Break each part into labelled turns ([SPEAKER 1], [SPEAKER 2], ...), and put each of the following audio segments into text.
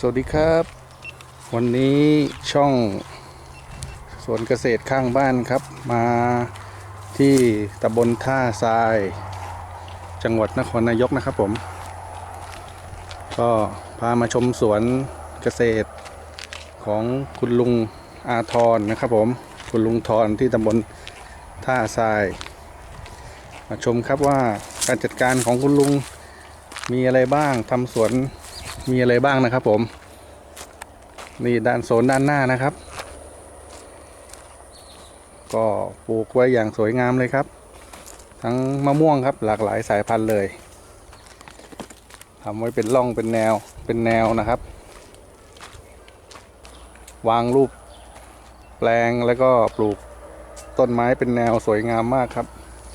[SPEAKER 1] วัสดีครับวันนี้ช่องสวนเกษตรข้างบ้านครับมาที่ตำบลท่าทรายจังหวัดนครนายกนะครับผมก็พามาชมสวนเกษตรของคุณลุงอาทรนะครับผมคุณลุงทรที่ตำบลท่าทรายมาชมครับว่าการจัดการของคุณลุงมีอะไรบ้างทำสวนมีอะไรบ้างนะครับผมนี่ด้านโซนด้านหน้านะครับก็ปลูกไว้อย่างสวยงามเลยครับทั้งมะม่วงครับหลากหลายสายพันธุ์เลยทำไว้เป็นร่องเป็นแนวนะครับวางรูปแปลงแล้วก็ปลูกต้นไม้เป็นแนวสวยงามมากครับ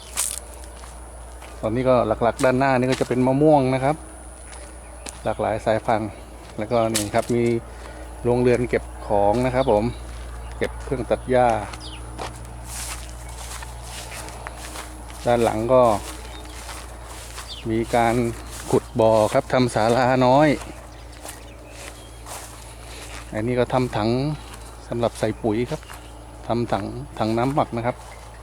[SPEAKER 1] ตอนนี้ก็หลักๆด้านหน้านี่ก็จะเป็นมะม่วงนะครับหลากหลายสายพันธุ์แล้วก็นี่ครับมีโรงเรือนเก็บของนะครับผมเก็บเครื่องตัดหญ้าด้านหลังก็มีการขุดบ่อครับทำศาลาน้อยอันนี้ก็ทำถังสำหรับใส่ปุ๋ยครับทำถังน้ำหมักนะครับ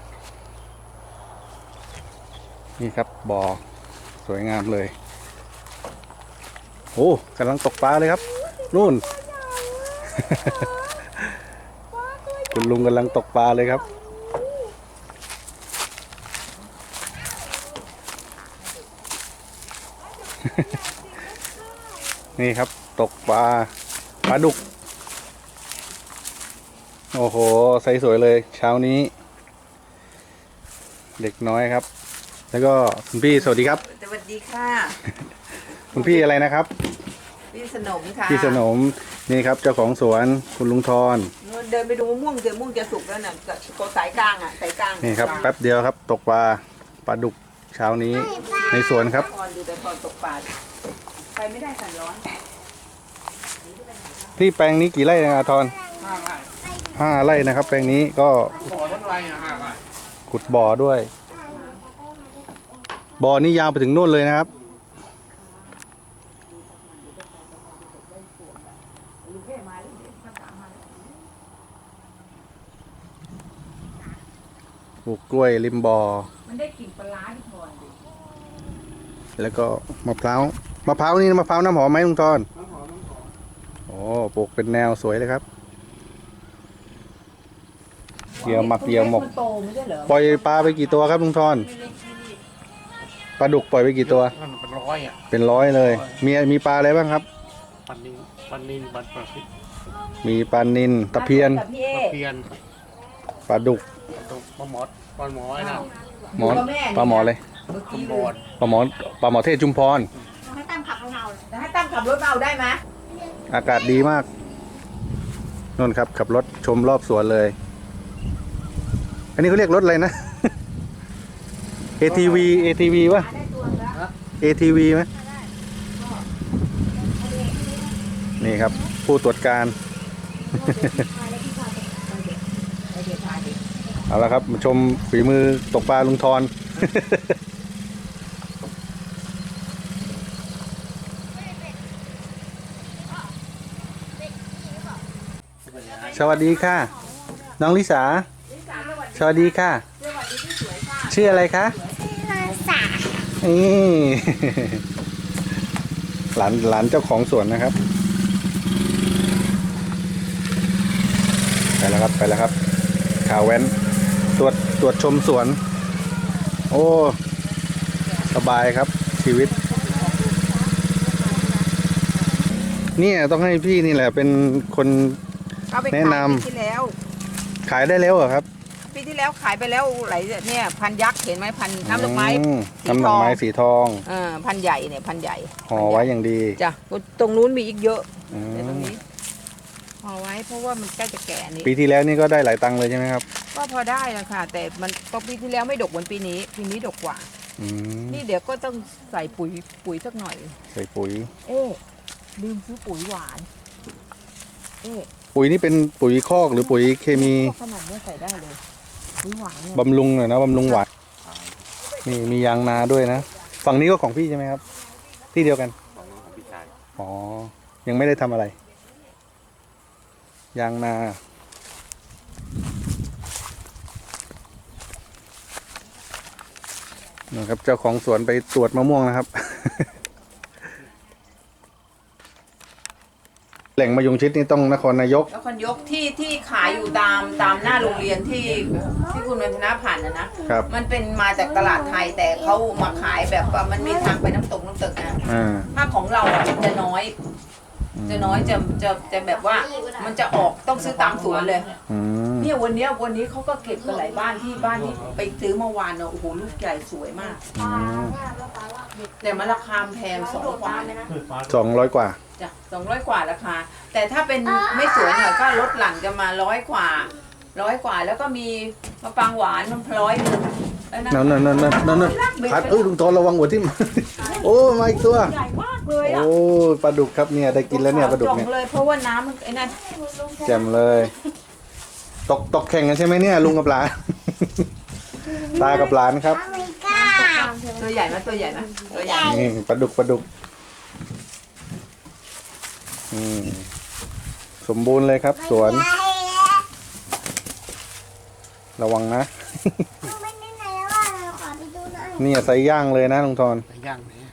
[SPEAKER 1] นี่ครับบ่อสวยงามเลยโอ้กำลังตกปลาเลยครับนู่น คุณลุงกำลังตกปลาเลยครับ นี่ครับตกปลาดุกโอ้โหใสสวยเลยเช้านี้เด็กน้อยครับแล้วก็คุณพี่สวัสดีครับ
[SPEAKER 2] สวัสดีค่ะ
[SPEAKER 1] คุณพี่อะไรนะครับ
[SPEAKER 2] พี่สนมค่ะ
[SPEAKER 1] พี่สนมนี่ครับเจ้าของสวนคุณลุงทร
[SPEAKER 2] เดินไปดูมะม่วงจะสุกแล้วน่ะก็สายกลางอ่ะสายกลาง
[SPEAKER 1] นี่ครับแป๊บเดียวครับตกปลาดุกเช้านี้ในสวนครับ
[SPEAKER 2] ดูแต่ตอนตกปลาไปไม่ได้สั่นร้อน
[SPEAKER 1] ที่แปลงนี้กี่ไร่นะอาทร5 ไร่นะครับแปลงนี้ก็ขุดบ่อด้วยบ่อนี้ยาวไปถึงนู่นเลยนะครับปลูกกล้วยริมบ่อ
[SPEAKER 2] มันได้กลิ่นปลาที่พร
[SPEAKER 1] แล้วก็มะพร้าวนี่มะพร้าวน้ำหอมไหมลุงทรโอ้ปลูกเป็นแนวสวยเลยครับเหยื่อหมักเหยื่อหมกปล่อยปลาไปกี่ตัวครับลุงทรปลาดุกปล่อยไปกี่ตัว
[SPEAKER 3] เป็นร้อยอ่ะ
[SPEAKER 1] เป็นร้อยเลยมีปลาอะไรบ้างครับ
[SPEAKER 3] ปลานินปลาปลาพิษ
[SPEAKER 1] มีปลานิลตะเพียนปลาดุก
[SPEAKER 3] ปลาหมอไอ้นั่น
[SPEAKER 1] ปลาหมอเลยปลาหมอเทศจุมพร
[SPEAKER 2] ให้ตั้มขับรถเอาได้ไหม
[SPEAKER 1] อากาศดีมากนนครับขับรถชมรอบสวนเลยอันนี้เขาเรียกรถอะไรนะ ATV วะ ATV ไหมนี่ครับผู้ตรวจการเอาละครับมาชมฝีมือตกปลาลุงทร สวัสดีค่ะน้องลิสาสวัสดีค่ะชื่ออะไรคะนี่ หลานเจ้าของสวนนะครับไปแล้วครับข่าวแว้นตรวจชมสวนโอ้สบายครับชีวิตเนี่ยต้องให้พี่นี่แหละเป็นคนแนะนำขายได้แล้วเหรอครับ
[SPEAKER 2] ปีที่แล้วขายไปแล้วหลายเนี่ยพันยักษ์เห็นไหมพันน้ำดอกไม้
[SPEAKER 1] สีทอง
[SPEAKER 2] พันใหญ่เนี่ยพันใหญ่
[SPEAKER 1] ห่อไว้อย่างดี
[SPEAKER 2] จ้ะตรงนู้นมีอีกเยอะแต่ตรงนี้ห่อไว้เพราะว่ามันใกล้จะแก่นี่
[SPEAKER 1] ปีที่แล้วนี่ก็ได้หลายตังค์เลยใช่ไหมครับ
[SPEAKER 2] ก็พอได้แล้วค่ะแต่มันก็ปีที่แล้วไม่ดกเหมือนปีนี้ดกกว่านี่เดี๋ยวก็ต้องใส่ปุ๋ยสักหน่อย
[SPEAKER 1] ใส่ปุ๋ย
[SPEAKER 2] ลืมซื้อปุ๋ยหวาน
[SPEAKER 1] ปุ๋ยนี่เป็นปุ๋ยคอกหรือปุ๋ยเคมี
[SPEAKER 2] ขนาดนี้ใส่ได้เลยปุ๋ยหวาน
[SPEAKER 1] บำรุงหน่อยนะบำรุงหวานนี่มียางนาด้วยนะฝั่งนี้ก็ของพี่ใช่ไหมครับที่เดียวกันอ๋อยังไม่ได้ทำอะไร ยางนานะครับเจ้าของสวนไปตรวจมะม่วงนะครับ แหล่งมะยงชิดนี่ต้องนครนายก
[SPEAKER 2] แล้วคนยกที่ขายอยู่ตามหน้าโรงเรียนที่คุณวันธนาผ่านนะครับ มันเป็นมาจากตลาดไทยแต่เขามาขายแบบว่ามันมีทางไปน้ำตกนะถ้าของเราอ่ะมันจะน้อย จะแบบว่ามันจะออกต้องซื้อตามสวนเลย
[SPEAKER 1] อืม
[SPEAKER 2] เนี่ยวันนี้เขาก็เก็บกันหลายบ้านที่ไปซื้อเมื่อวานเนอะโอ้โหลูกใหญ่สวยมาก แต่มันราคาแพง200 กว่านะ
[SPEAKER 1] 200 กว่า
[SPEAKER 2] จ้ะ200 กว่าราคา แต่ถ้าเป็นไม่สวยหน่อยก็ลดหลั่นกันมา100 กว่าแล้วก็มีมะปรางหวานมัน100แล้ว
[SPEAKER 1] นั่นพัดลุงโทนระวังหัวทิ่ม โอ้มาอีกตัว
[SPEAKER 2] ใหญ่มากเลยอ่ะ
[SPEAKER 1] โอ้ปลาดุกครับเนี่ยได้กินแล้วเนี่ยปลาดุกเนี่ย
[SPEAKER 2] จ่องเลยเพราะว่าน้ำมันไอ้นั่น
[SPEAKER 1] แจ่มเลย ตกแข่งกันใช่ไหมเนี่ยลุงกับหลาน ตากับหลานครับ
[SPEAKER 2] ตัวใหญ่ไหมตัวใหญ่ไหมตัวใหญ่
[SPEAKER 1] นี่ปลาดุกอืมสมบูรณ์เลยครับ สวน ระวังนะ นี่ใส่ย่างเลยนะลุงทร
[SPEAKER 3] ไปย่างนี้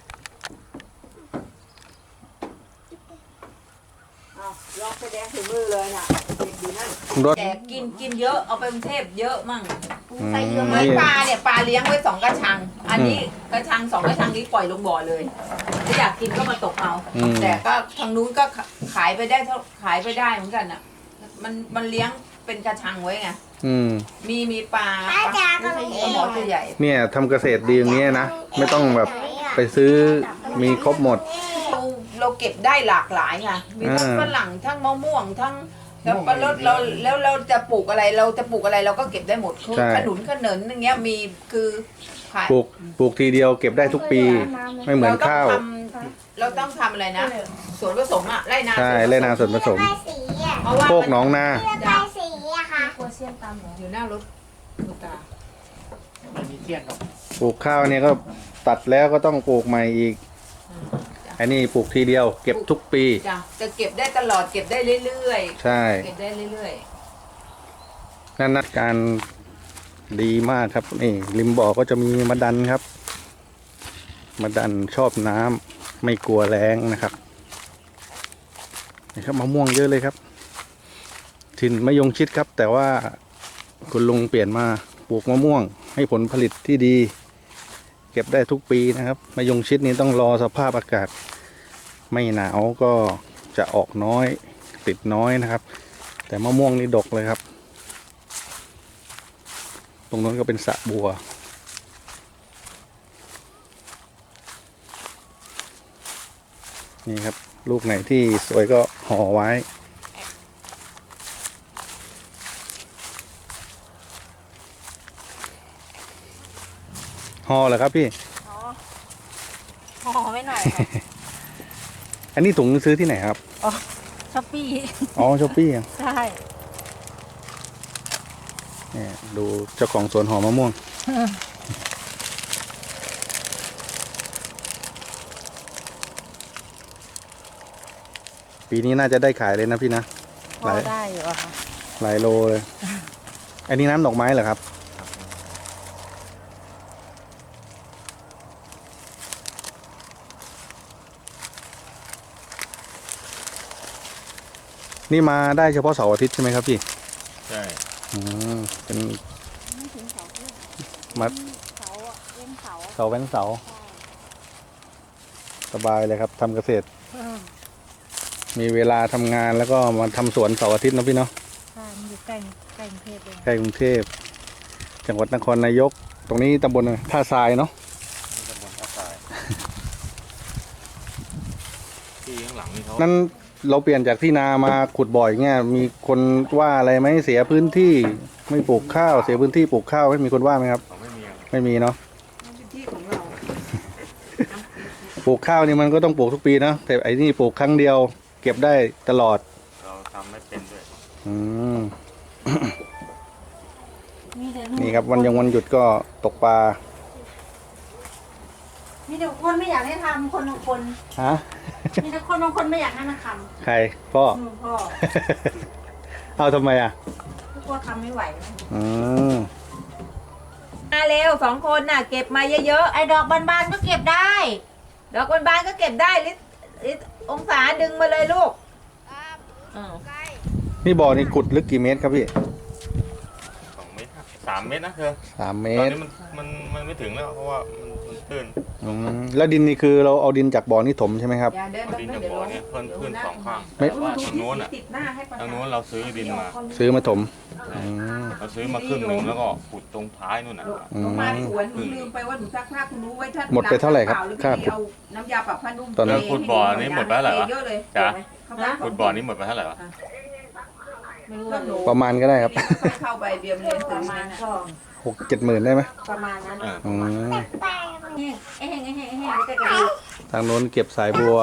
[SPEAKER 2] ลองแสดงถึงมือเลยน่ะดูนั่น
[SPEAKER 1] รถ
[SPEAKER 2] แต่กินเยอะเอาไปกรุงเทพเยอะมั่ง
[SPEAKER 1] ใส่เยอะ
[SPEAKER 2] เหมือนปลาเนี่ยปลาเลี้ยงไว้2 กระชัง อันนี้กระชัง2 กระชังนี้ปล่อยลงบ่อเลยถ้าอยากกินก็มาตกเอา แต่ก็ทางนู้นก็ขายไปได้เหมือนกันอ่ะมันเลี้ยงเป็นกระชังไว้ไง มีปลาหมอตัวใหญ่
[SPEAKER 1] เนี่ยทำเกษตรดีอย่างเงี้ยนะ ไม่ต้องแบบไปซื้อมีครบหมด
[SPEAKER 2] เราเก็บได้หลากหลายไงมีทั้งฝรั่งทั้งมะม่วงทั้งแล้วปลาลดเราจะปลูกอะไรเราก็เก็บได้หมดคือ
[SPEAKER 1] ใช่
[SPEAKER 2] ขนุนอย่างเงี้ยมีคือขาย
[SPEAKER 1] ปลูกทีเดียวเก็บได้ทุกปี ไม่เหมือนข้าว
[SPEAKER 2] เราต้องทำอะไรนะสวนผสมอะไร่นา
[SPEAKER 1] ใช่ไร่นาส่วนผสม
[SPEAKER 2] เพราะว่า
[SPEAKER 1] โคกหนองนา
[SPEAKER 2] อยู่หน้ารถลูกตา
[SPEAKER 3] ไม่มีเทียนหรอก
[SPEAKER 1] ปลูกข้าวเนี่ยก็ตัดแล้วก็ต้องปลูกใหม่อีก อันนี้ปลูกทีเดียว เก็บทุกปี
[SPEAKER 2] จ้ะจะเก็บได้ตลอดเก็บได้เรื่อย
[SPEAKER 1] ใช่
[SPEAKER 2] ๆเก็บได้เรื่อย
[SPEAKER 1] นั่นนะการดีมากครับนี่ริมบ่อก็จะมีมะดันครับ มะดันชอบน้ำไม่กลัวแรงนะครับนี่ครับมะม่วงเยอะเลยครับถิ่นมะยงชิดครับ แต่ว่าคุณลุงเปลี่ยนมาปลูกมะม่วง ให้ผลผลิตที่ดี เก็บได้ทุกปีนะครับมะยงชิดนี้ต้องรอสภาพอากาศ ไม่หนาวก็จะออกน้อยติดน้อยนะครับ แต่มะม่วงนี่ดกเลยครับ ตรงนั้นก็เป็นสระบัว นี่ครับ ลูกไหนที่สวยก็ห่อไว้ ห่อเหรอครับพี่
[SPEAKER 4] ห่อไว้หน่อย
[SPEAKER 1] อันนี้ถุงซื้อที่ไหนครับ
[SPEAKER 4] ช้อปปี้
[SPEAKER 1] อ๋อช้อปปี้
[SPEAKER 4] ใช่
[SPEAKER 1] เนี่ยดูเจ้าของสวนหอมมะม่วง ปีนี้น่าจะได้ขายเลยนะพี่นะ
[SPEAKER 4] พอได้อยู่อะค่ะ
[SPEAKER 1] หลายโลเลย อันนี้น้ำดอกไม้เหรอครับ นี่มาได้เฉพาะเสาร์อาทิตย์ใช่ไหมครับพี่
[SPEAKER 3] ใช่
[SPEAKER 1] เป็น
[SPEAKER 4] ไม่ถึงเสาเพื่อน
[SPEAKER 1] มัด
[SPEAKER 4] เสาอะเว้นเสา
[SPEAKER 1] เสาแว้นเสา สบายเลยครับทำเกษตร มีเวลาทำงานแล้วก็มาทำสวนเสาร์อาทิตย์นะพี่เนาะ
[SPEAKER 4] ใช่มันอยู่ใกล้กรุงเทพเลย
[SPEAKER 1] ใกล้กรุงเทพ จังหวัดนครนายก ตรงนี้ตำบลท่าทรายเนาะ
[SPEAKER 3] ตำบลท่าทรายที่ข้างหลังนี่เขา
[SPEAKER 1] นั้นเราเปลี่ยนจากที่นามาขุดบ่อยเงี้ย มีคนว่าอะไรไหมเสียพื้นที่ไม่ปลูกข้าว เสียพื้นที่ปลูกข้าวไหมมีคนว่าไหมครับ
[SPEAKER 3] เขาไม่มีอะ
[SPEAKER 1] ไม่มีเนาะ
[SPEAKER 2] ๆเป็นที่ของเรา
[SPEAKER 1] ปลูกข้าวนี่มันก็ต้องปลูกทุกปีนะแต่ไอ้นี่ปลูกครั้งเดียว เก็บได้ตลอด
[SPEAKER 3] เราทำไม่เป็นด้วย
[SPEAKER 1] อืม
[SPEAKER 4] มีแต่
[SPEAKER 1] นี่ครับวันหยุดก็ตกปลา
[SPEAKER 4] มมีแต่คนไม่อยากให้ทำคนบางคน
[SPEAKER 1] ฮะ
[SPEAKER 4] มีแต่คนบางคนไม่อยากให้มันท
[SPEAKER 1] ใครพ่อ
[SPEAKER 4] ำพ่อ
[SPEAKER 1] เอาทำไมอ่ะ
[SPEAKER 4] กลัวทำไม่ไหวนะ
[SPEAKER 1] อืม
[SPEAKER 2] มาเร็ว2 คนน่ะ เก็บมาเยอะ
[SPEAKER 4] ไอ้ดอกบานๆก็เก็บได้
[SPEAKER 2] ๆดอกบานๆก็เก็บได้ลิองศาดึงมาเลยลูกอืม
[SPEAKER 1] นี่บ่อนี่ขุดลึกกี่เมตรครับพี่
[SPEAKER 3] 2 เมตร3 เมตรนะเธอ
[SPEAKER 1] 3 เม
[SPEAKER 3] ตอน
[SPEAKER 1] ตร
[SPEAKER 3] นี้มันไม่ถึงแล้วเพราะว่ามันตื้น
[SPEAKER 1] แล้วดินนี่คือเราเอาดินจากบ่อนี่ถมใช่ไหมครับ
[SPEAKER 2] อย่าเดิน
[SPEAKER 3] เอาดินจากบ่อเนี่ยเพิ่นขึ้น2 ข้าง
[SPEAKER 1] ไม่
[SPEAKER 3] แต่ว่าทางโน้นอ่ะ
[SPEAKER 2] ติดหน้าให้ประ
[SPEAKER 3] ทางโน้นเราซื้อดินมา
[SPEAKER 1] ซื้อมาถมอืม
[SPEAKER 3] เราซื้อมาครึ่งหนึ่งแล้วก็ขุดตรงท้ายนู่นน่ะ
[SPEAKER 1] อืม
[SPEAKER 2] ลงมาสวนหนูลืมไปว่าหนูซักผ้าคุณรู้ไว้ถ้า
[SPEAKER 1] หมดไปเท่าไหร่ครับ
[SPEAKER 2] ค่า
[SPEAKER 1] ค่าขุด
[SPEAKER 2] เอาน้ำยาปรับผ้านุ่ม
[SPEAKER 1] ตอนนั้น
[SPEAKER 2] เท
[SPEAKER 3] ขุดบ่อนี้หมดไปเท่าไหร่วะ
[SPEAKER 2] เยอะเลย
[SPEAKER 3] จ๊ะ
[SPEAKER 2] เข้าไป
[SPEAKER 3] ขุดบ่อนี้หมดไปเท่าไหร่วะ
[SPEAKER 4] ไม่รู้
[SPEAKER 2] ก็หนู
[SPEAKER 1] ประมาณก็ได้ครับ
[SPEAKER 2] เข้าไปเบียมเรียน
[SPEAKER 4] ป
[SPEAKER 2] ถึ
[SPEAKER 4] ระ
[SPEAKER 2] ง
[SPEAKER 4] มา
[SPEAKER 2] มา
[SPEAKER 4] ณ
[SPEAKER 2] ณ
[SPEAKER 4] ก็
[SPEAKER 1] 6-7 หมื่นได้ไหม
[SPEAKER 4] ประมาณนั้น
[SPEAKER 3] เออ
[SPEAKER 1] อืม
[SPEAKER 4] แห้งแห้งแล้วก็กระดูก
[SPEAKER 1] ทางโน้นเก็บสายบัว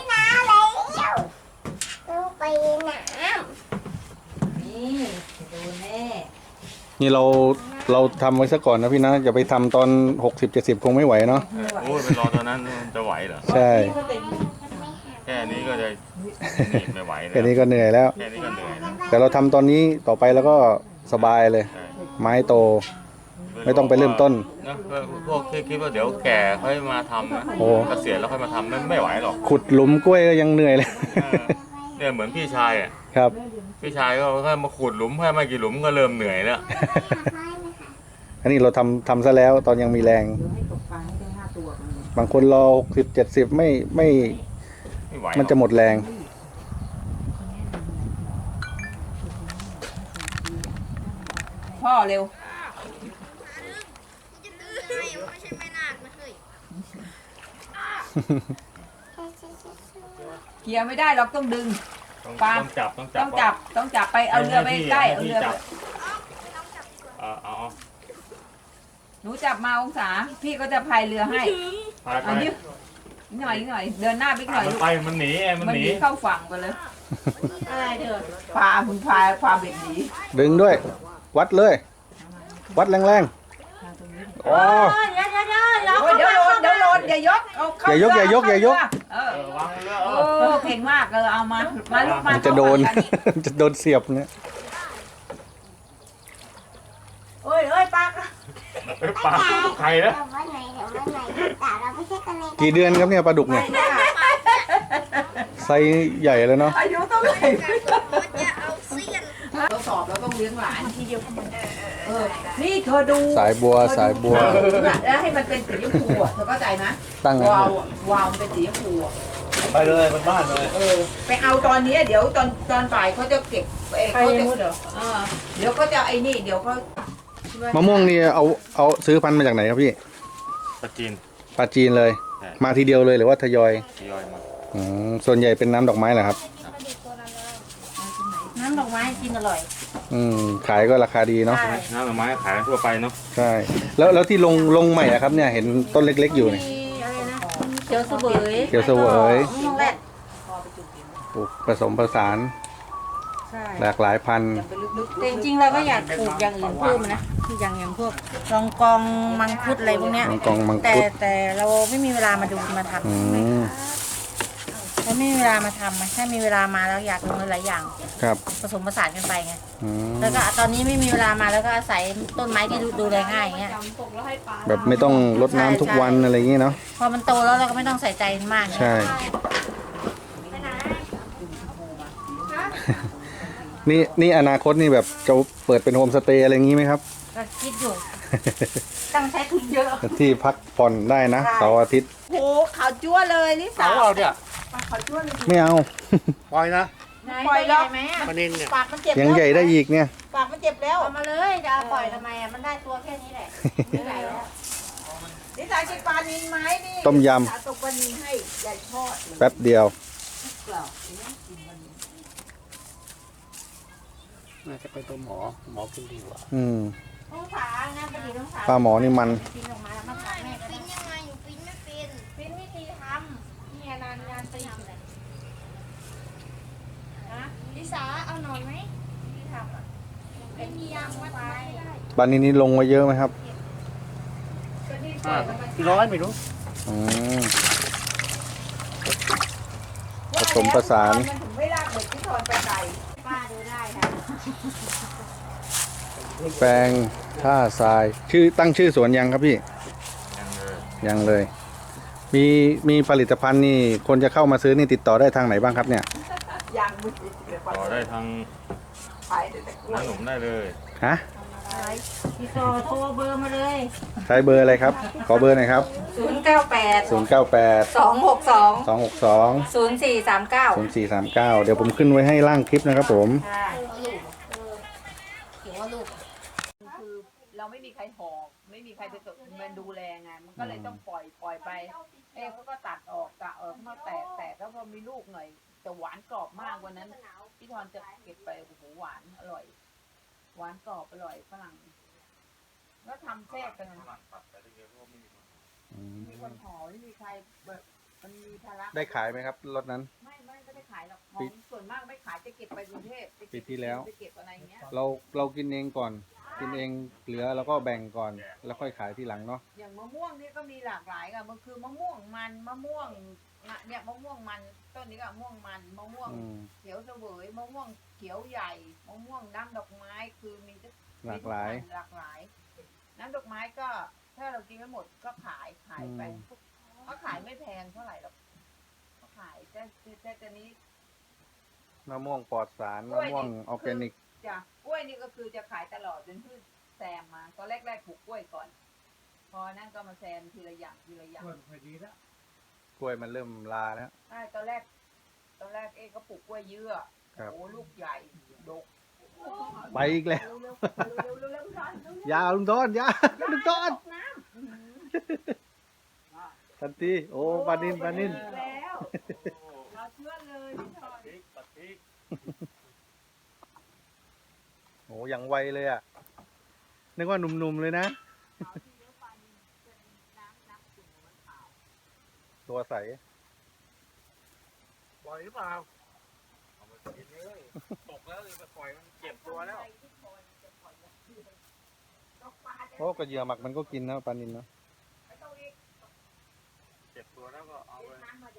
[SPEAKER 4] นี่ดูแน่
[SPEAKER 1] นี่เราทำไว้ซะก่อนนะพี่นะอย่าไปทำตอน 60-70 คงไม่ไหวเนาะ
[SPEAKER 3] โอ้ยไปรอตอนนั้นจะไหวเหรอ
[SPEAKER 1] ใช่
[SPEAKER 3] แค่นี้ก็จะหนีบไม่ไหวเลย
[SPEAKER 1] แค่นี้ก็เหนื่อยแล้ว
[SPEAKER 3] แค่นี้ก็เหนื่อยแล้ว
[SPEAKER 1] แต่เราทำตอนนี้ต่อไปแล้วก็สบายเลย
[SPEAKER 3] ใช่
[SPEAKER 1] ไม้โต ไม่ต้องไปเริ่มต้น
[SPEAKER 3] นะพวกที่คิดว่าเดี๋ยวแก่ค่อยมาทำนะ
[SPEAKER 1] โอ้
[SPEAKER 3] เกษียณแล้วค่อยมาทำไม่ไหวหรอก
[SPEAKER 1] ขุดหลุมกล้วยก็ยังเหนื่อยเลย
[SPEAKER 3] เออเนี่ยเหมือนพี่ชายอ่ะ
[SPEAKER 1] ครับ
[SPEAKER 3] พี่ชายก็แค่มาขุดหลุมแค่ไม่กี่หลุมก็เริ่มเหนื่อยแล้ว
[SPEAKER 1] อันนี้เราทำซะแล้วตอนยังมีแรง
[SPEAKER 2] เดี๋ยวให้ตกปลาให้ได้5 ตัว
[SPEAKER 1] บางคนรอ60-70ไม่
[SPEAKER 3] ไม่ไหวหรอก
[SPEAKER 1] มันจะหมดแรง
[SPEAKER 2] พ่อเร็วเคลียร์ไม่ได้เราต้องดึง
[SPEAKER 3] ต้อง
[SPEAKER 2] ปลา
[SPEAKER 3] ต้องจับ
[SPEAKER 2] ต้องจับไปเอาเรือไปใกล้เอาเรือไป
[SPEAKER 3] เอา
[SPEAKER 2] หนูจับมาองศาพี่ก็จะพายเรือให้
[SPEAKER 3] พายไป
[SPEAKER 2] อันนี้หน่อยเดินหน้าบิ๊กหน่อย
[SPEAKER 3] มัน
[SPEAKER 2] ลูก
[SPEAKER 3] ไปมันหนีไงมัน
[SPEAKER 2] มัน
[SPEAKER 3] หนี
[SPEAKER 2] หนีเข้าฝั่งไปเลย
[SPEAKER 4] อะไรเด้อ
[SPEAKER 2] พาคุณพาเบ็ดหนี
[SPEAKER 1] ดึงด้วย วัดเลย วัดแรงๆอ๋อ
[SPEAKER 4] เดี๋ยว
[SPEAKER 2] โอ้ยเดี๋ยวโดนอย่ายกเอาเข้า
[SPEAKER 1] อย่ายก
[SPEAKER 2] เรื
[SPEAKER 1] อย่ายก
[SPEAKER 2] เออ
[SPEAKER 3] วางเรือ
[SPEAKER 2] โอ้เก่งมากเอามาลูกมา
[SPEAKER 1] มันจะโดน
[SPEAKER 2] เข้าฝั่งกั
[SPEAKER 1] จะโดนเสียบเนี่ย
[SPEAKER 4] โอ้ยปาก
[SPEAKER 3] ปลาใครนะ
[SPEAKER 1] กี่เดือนครับเนี่ยปลาดุกเนี่ย ไซส์ใหญ่เลยเนาะ
[SPEAKER 2] อายุเท่าไหร่เราสอบเราต้องเลี้ยงหลานทีเดียวเออนี่เธอดู
[SPEAKER 1] สายบัวสายบัว
[SPEAKER 2] แล้วให้มันเป็นสีชมพูอ่ะเธอเข้าใจไหม
[SPEAKER 1] ตั้งไง
[SPEAKER 2] วาวมันเป็นสีชมพูอ่ะ
[SPEAKER 3] ไปเลยบนบ้านเลย
[SPEAKER 2] เออไปเอาตอนนี้เดี๋ยวตอนบ่ายเขาจะเก็บเขาจะเดี๋ยวก็จะไอ้นี่เดี๋ยวเขา
[SPEAKER 1] มะม่วงนี่เอาซื้อพันธุ์มาจากไหนครับพี่
[SPEAKER 3] ปลาจีน
[SPEAKER 1] ปลาจีนเลย
[SPEAKER 3] ใช่
[SPEAKER 1] มาทีเดียวเลยหรือว่าทยอย
[SPEAKER 3] ทยอยมา
[SPEAKER 1] ส่วนใหญ่เป็นน้ำดอกไม้เหรอครับ
[SPEAKER 4] น้ำดอกไม้กินอร่อย
[SPEAKER 1] ขายก็ราคาดีเนาะ
[SPEAKER 4] ใช่
[SPEAKER 3] น้ำดอกไม้ขายทั่วไปเนาะ
[SPEAKER 1] ใช่ แล้วที่ลงใหม่อะครับเนี่ยเห็นต้นเล็กๆอยู่เนี่ย
[SPEAKER 4] มีอะไรนะเขียวเสวย
[SPEAKER 1] เขียวเสวย
[SPEAKER 4] มะม่วงแรด
[SPEAKER 1] ปลูกผสมผสาน
[SPEAKER 4] ใช่
[SPEAKER 1] หลากหลายพันธุ์
[SPEAKER 2] ไปลึก
[SPEAKER 4] แต่จริงๆเราก็อยากปลูกอย่างอื่นเพิ่มนะอย่างพวกรองกองมังคุดอะไรพวกเนี้ย
[SPEAKER 1] มังกรมัง
[SPEAKER 4] แต่
[SPEAKER 1] คุด
[SPEAKER 4] แต่เราไม่มีเวลามาดูมาทำ
[SPEAKER 1] อืม
[SPEAKER 4] เราไม่มีเวลามาทำอะถ้ามีเวลามาแล้วอยากลงหลายๆอย่าง
[SPEAKER 1] ครับ
[SPEAKER 4] ผสมผสานกันไปไง
[SPEAKER 1] อืม
[SPEAKER 4] แล้วก็ตอนนี้ไม่มีเวลามาแล้วก็อาศัยต้นไม้ที่ดูแลง่ายอย่างเงี้ย
[SPEAKER 1] แบบไม่ต้องรดน้ำทุกวันอะไรอย่างงี้เนาะ
[SPEAKER 4] พอมันโตแล้วเราก็ไม่ต้องใส่ใจมันมากไง
[SPEAKER 1] ใช่ นี่อนาคตนี่แบบจะเปิดเป็นโฮมสเตย์อะไรอย่างงี้ไหมครับ
[SPEAKER 4] ก็คิดอยู่ ต้องใช้ทุนเยอะ
[SPEAKER 1] ที่พักผ่อนได้นะ
[SPEAKER 4] ใช่
[SPEAKER 1] เสาร์อาทิตย์
[SPEAKER 2] ๆโหขาวจั่วเลยนี่สาว
[SPEAKER 3] เอาเนี่ย
[SPEAKER 2] ขาวจั่วเลย
[SPEAKER 1] ไม่เอา
[SPEAKER 3] ปล่อยนะ
[SPEAKER 2] ปล่อยแล้ว
[SPEAKER 4] ไหมอะ
[SPEAKER 3] ปลานินเนี่ย
[SPEAKER 4] ปากมันเจ็บ
[SPEAKER 1] ยังใหญ่ได้อีกเนี่ย
[SPEAKER 4] ปากมันเจ็บแล้วเอามาเลยจะเอาปล่อยทำไมอ่ะมันได้ตัวแค่นี้แหละไม่ไหวแล้ว
[SPEAKER 2] นี่สายกินปลานินไหมนี่
[SPEAKER 1] ต้มย
[SPEAKER 2] สาตกปลานินให้ใหญ่ทอด
[SPEAKER 1] แป๊บเดียว
[SPEAKER 3] น่าจะไปตัวหมอกินดีกว่า
[SPEAKER 4] ต้องผานะปกติต้องผา
[SPEAKER 1] ปลาหมอนี่มัน
[SPEAKER 4] ปิ้นออกมาแล้วมาผาแม่ก็
[SPEAKER 5] ปิ้
[SPEAKER 4] ได้
[SPEAKER 5] นยังไงหนูปิ้นไม่เป็น
[SPEAKER 4] ปิ้นวิธีทำเนี่ยงานปิ้นอะไรนะ
[SPEAKER 5] ลิสาเอาหนอนไหม
[SPEAKER 4] ที่ทำอ่ะ
[SPEAKER 5] ไม่มียางมัดไว้ได้
[SPEAKER 1] ปลานี้นี่ลงไว้เยอะไหมครับ
[SPEAKER 3] กี่ร้อยไม่รู้
[SPEAKER 1] อืมผสมผสาน
[SPEAKER 2] มันถึงไม่ลากเด็กที่ทอนไปไกล
[SPEAKER 4] ป้าดูได้ค่ะ
[SPEAKER 1] แปลงท่าทรายชื่อตั้งชื่อสวนยังครับพี่
[SPEAKER 3] ยังเลย
[SPEAKER 1] ยังเลย มีผลิตภัณฑ์นี่คนจะเข้ามาซื้อนี่ติดต่อได้ทางไหนบ้างครับเนี่ย
[SPEAKER 2] ยังไม่ติด
[SPEAKER 3] ต่อได้ทาง
[SPEAKER 2] ไปแต่กล้วย
[SPEAKER 3] น้าหนุ่มได้เลย
[SPEAKER 1] ฮะ
[SPEAKER 4] พี่ต่อโทรเบอร์มาเลย
[SPEAKER 1] ใช้เบอร์อะไรครับ ขอเบอร์หน่อยครับ
[SPEAKER 4] 098
[SPEAKER 1] 098
[SPEAKER 4] 262
[SPEAKER 1] 262
[SPEAKER 4] 0439
[SPEAKER 1] 0439เดี๋ยวผมขึ้นไว้ให้ล่างคลิปนะครับผม
[SPEAKER 4] ค่ะ
[SPEAKER 2] คือเราไม่มีใครหอกไม่มีใครไปตกมันดูแลไงมันก็เลยต้องปล่อยไปเขาก็ตัดออกเขาแตกแล้วพอมีลูกหน่อยแต่หวานกรอบมากวันนั้นพี่ทอนจะเก็บไปโอ้โหหวานอร่อย หวานกรอบอร่อยฝรั่งแล้วทำแทรกกันมีคนห่อไม่มีใครแบบมันมีภาระ
[SPEAKER 1] ได้ขายไหมครับรถนั้น
[SPEAKER 2] ไม่ได้ขายหรอกของส่วนมากไม่ขายจะเก็บไปกรุงเทพ
[SPEAKER 1] ปีที่แล้ว
[SPEAKER 2] จะเก็บอะไรเงี้ย
[SPEAKER 1] เรากินเองก่อน กินเองเหลือแล้วก็แบ่งก่อน แล้วค่อยขายทีหลังเนาะ
[SPEAKER 2] อย่างมะม่วงนี่ก็มีหลากหลายค่ะมันคือมะม่วงมันมะม่วงเนี่ยมะม่วงมันต้นนี้ก็มะม่วงมันมะม่วง
[SPEAKER 1] อืม
[SPEAKER 2] เขียวเสวยมะม่วงเขียวใหญ่มะม่วงน้ำดอกไม้คือมี
[SPEAKER 1] หลากหลาย
[SPEAKER 2] หลากหลาย น้ำดอกไม้ก็ถ้าเรากินไม่หมดก็ขายไปเขาขายไม่แพงเท่าไหร่หรอกเขาขายแต่นี้
[SPEAKER 1] มะม่วงปลอดสารมะม่วงออร์แกนิก
[SPEAKER 2] จ้ะกล้วยนี่ก็คือจะขายตลอดจนพืชแซมมาตอนแรกปลูกกล้วยก่อน พอนั่นก็มาแซมทีละอย่างทีละอย่าง
[SPEAKER 1] กล้วยมันเริ่มลาแล้ว
[SPEAKER 2] ใช่ตอนแรกเอ๊ก็ปลูกกล้วยเยื่อ
[SPEAKER 1] ครับ
[SPEAKER 2] โอ้ลูกใหญ่ดก
[SPEAKER 1] ไปอีกแล้ว
[SPEAKER 2] เร็วๆ
[SPEAKER 1] ยาลุงต้นยาลุงต้น
[SPEAKER 2] ตกน้ำ
[SPEAKER 1] ทันทีโอ้ปานิน
[SPEAKER 2] แล้วเราเชื่อเลยพี่ชอน
[SPEAKER 3] ตัดพริก
[SPEAKER 1] โอ้ยังไวเลยอ่ะ นึกว่าหนุ่มๆเลยนะ ตัวใส
[SPEAKER 3] ปล่อยหรือเปล่าเอามากินเลยตกแล้วเลยไปปล่อยมันเจ็บตัวแล้ว
[SPEAKER 1] โอ้กระเหยื่อหมักมันก็กินนะปลานินเนาะ
[SPEAKER 3] เจ็บตัวแล้วก็เอาไป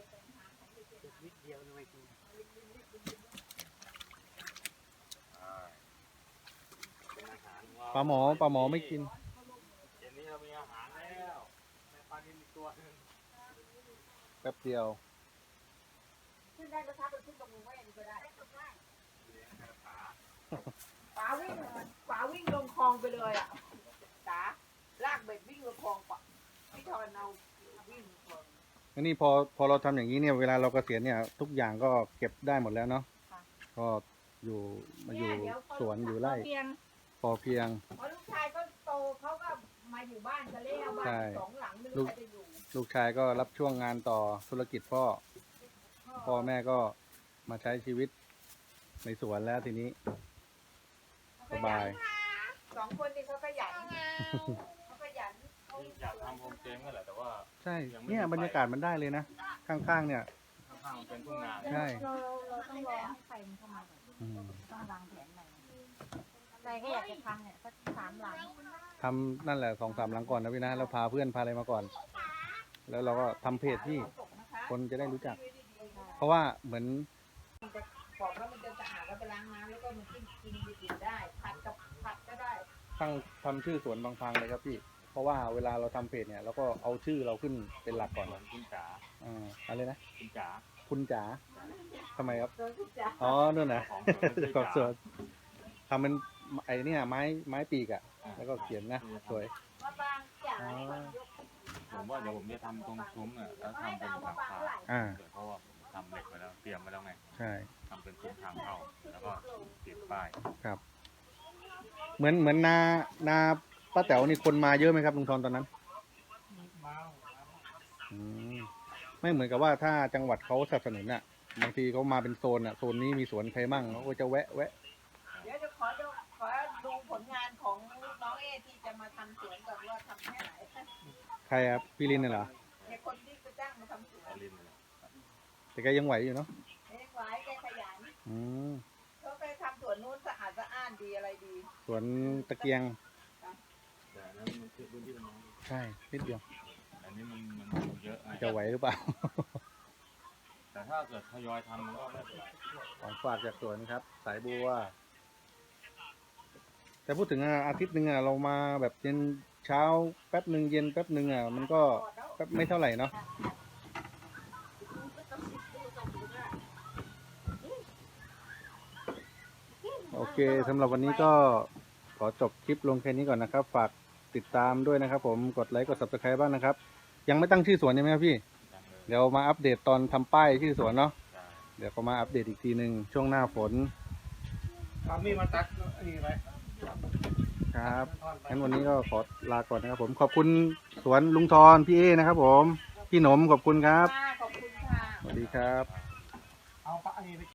[SPEAKER 3] เป็นอาหารของเรา
[SPEAKER 1] ปลาหมอไม่กิน
[SPEAKER 3] เย็นนี้เรามีอาหารแล้วในปลานิลอีกตัวหนึง
[SPEAKER 1] แป๊บเดียว
[SPEAKER 2] ขึ้นได้ก็ทักไปขึ้นตรงมือแม่นี่ก็ได้
[SPEAKER 3] เลี้ยงกระถา
[SPEAKER 2] ป๋าวิ่งลงคลองไปเลยอ่ะจ๋าลากเบ็ดวิ่งลงคลองปะพี่ทอนเอาวิ่งลงคลอง
[SPEAKER 1] อันนี้พอเราทำอย่างนี้เนี่ยเวลาเราเกษียณเนี่ยทุกอย่างก็เก็บได้หมดแล้วเนาะ
[SPEAKER 2] ค่ะ
[SPEAKER 1] ก็อยู่มาอยู่สวนอยู่ไร่
[SPEAKER 4] เพียง
[SPEAKER 1] พอเพียง
[SPEAKER 2] พอลูกชายก็โตเขาก็มาอยู่บ้านกันแล้วบ้า
[SPEAKER 1] ใช่
[SPEAKER 2] นสองหลังไม่รู้ใครจะอยู่
[SPEAKER 1] ลูกชายก็รับช่วงงานต่อธุรกิจพ่อแม่ก็มาใช้ชีวิตในสวนแล้วทีนี้ สบาย
[SPEAKER 2] สองคนนี่เขาขยันเขาขยันเขา
[SPEAKER 3] อยากทำโฮมสเตย์นั่นแหละแต่ว่า
[SPEAKER 1] ใช่เนี่ยบรรยากาศมันได้เลยนะ ข้างๆเนี่ย
[SPEAKER 3] ข้างๆมันเป็นทุ่งนา
[SPEAKER 1] ใช่
[SPEAKER 4] เราต้องรอให้ใครมันเข้ามาก่อน
[SPEAKER 1] อืม
[SPEAKER 4] ต้องวางแผนใหม่ใจก็อยากจะทำเนี่ยสัก3 หลัง
[SPEAKER 1] ทำนั่นแหละ2-3หลังก่อนนะพี่นะแล้วพาเพื่อนพาอะไรมาก่อน แล้วเราก็ทำเพจที่คนจะได้รู้จัก เพราะว่าเหมือน
[SPEAKER 2] ปอกแล้วมันจะสะอาดแล้วไปล้างน้ำแล้วก็มันกินได้ผัดก็ได้
[SPEAKER 1] ตั้งทำชื่อสวนบางพังเลยครับพี่ เพราะว่าเวลาเราทำเพจเนี่ยเราก็เอาชื่อเราขึ้นเป็นหลักก่อน
[SPEAKER 3] เหมือนคุณจ๋า
[SPEAKER 1] อะไรนะ
[SPEAKER 3] คุณจ๋า
[SPEAKER 1] คุณจ๋าทำไมครับ
[SPEAKER 2] โดนทุกจ้า
[SPEAKER 1] อ๋อนู่นนะ
[SPEAKER 3] ของสวน
[SPEAKER 1] ของสวนทำเป็นไอ้เนี่ยไม้ปีกอะแล้วก็เขียนนะสวย
[SPEAKER 2] มาบางจ๋า
[SPEAKER 1] อ๋อ
[SPEAKER 3] ผมว่าเดี๋ยวผมจะทำตรงซุ้มเนี่ยแล้วทำเป็นหลังคา
[SPEAKER 1] อ่า
[SPEAKER 3] เพราะว่าผมทำเหล็กไว้แล้วเตรียมไว้แล้วไง
[SPEAKER 1] ใช่
[SPEAKER 3] ทำเป็นซุ้มทางเข้าแล้วก็ติดป้าย
[SPEAKER 1] ครับ เหมือนนาป้าแต๋วนี่คนมาเยอะไหมครับลุงทอนตอนนั้นอืมไม่เหมือนกับว่าถ้าจังหวัดเขาสนับสนุนอ่ะบางทีเขามาเป็นโซนอ่ะโซนนี้มีสวนใครมั่งเขาก็จะแวะ
[SPEAKER 2] เดี๋ยวจะขอดูผลงานของน้องเอที่จะมาทำสวนก่อนว่าทำแค่ไหน
[SPEAKER 1] ใครครับพี่ลินน่ะเหรอ
[SPEAKER 2] ในคนที่ไปจ้างมาทำสวน
[SPEAKER 3] อลินเลย
[SPEAKER 1] แต่แกยังไหวอยู่เนาะ
[SPEAKER 2] เอ้หวายแกขยัน
[SPEAKER 1] อืม
[SPEAKER 2] เขาไปทำสวนนู้นสะอาดสะอ้านดีอะไรดี
[SPEAKER 1] สวนตะเกียง
[SPEAKER 3] แต่อันนั้นมันคือพื้นที่มันน้อย
[SPEAKER 1] ใช่นิดเดียว
[SPEAKER 3] อันนี้มันเยอะไง
[SPEAKER 1] จะไหวหรือเปล่า
[SPEAKER 3] แต่ถ้าเกิดทยอยทำมันก็ไม่เป็นไร
[SPEAKER 1] ของฝากจากสวนครับ สายบัว แต่พูดถึงอาทิตย์หนึ่งเรามาแบบเย็นเช้าแป๊บหนึ่งเย็นแป๊บหนึ่งมันก็แป๊บไม่เท่าไหร่เนาะโอเคสำหรับวันนี้ก็ขอจบคลิปลงแค่นี้ก่อนนะครับ ฝากติดตามด้วยนะครับผมกดไลค์กด subscribe บ้างนะครับ ยังไม่ตั้งชื่อสวนใช่ไหมครับพี่
[SPEAKER 3] จังเลย
[SPEAKER 1] เดี๋ยวมาอัปเดตตอนทำป้ายชื่อสวนเนาะ
[SPEAKER 3] ใช่
[SPEAKER 1] เดี๋ยวก็มาอัปเดตอีกทีหนึ่งช่วงหน้าฝน
[SPEAKER 3] เอามีดมาตัดอันนี้ไป
[SPEAKER 1] ครับงั้นวันนี้ก็ขอลาก่อนนะครับผม ขอบคุณสวนลุงทรพี่เอนะครับผม พี่หนมขอบคุณครับ
[SPEAKER 2] ขอบคุณค่ะ
[SPEAKER 1] สวัสดีครับ
[SPEAKER 3] เอาปะอันนี้ไป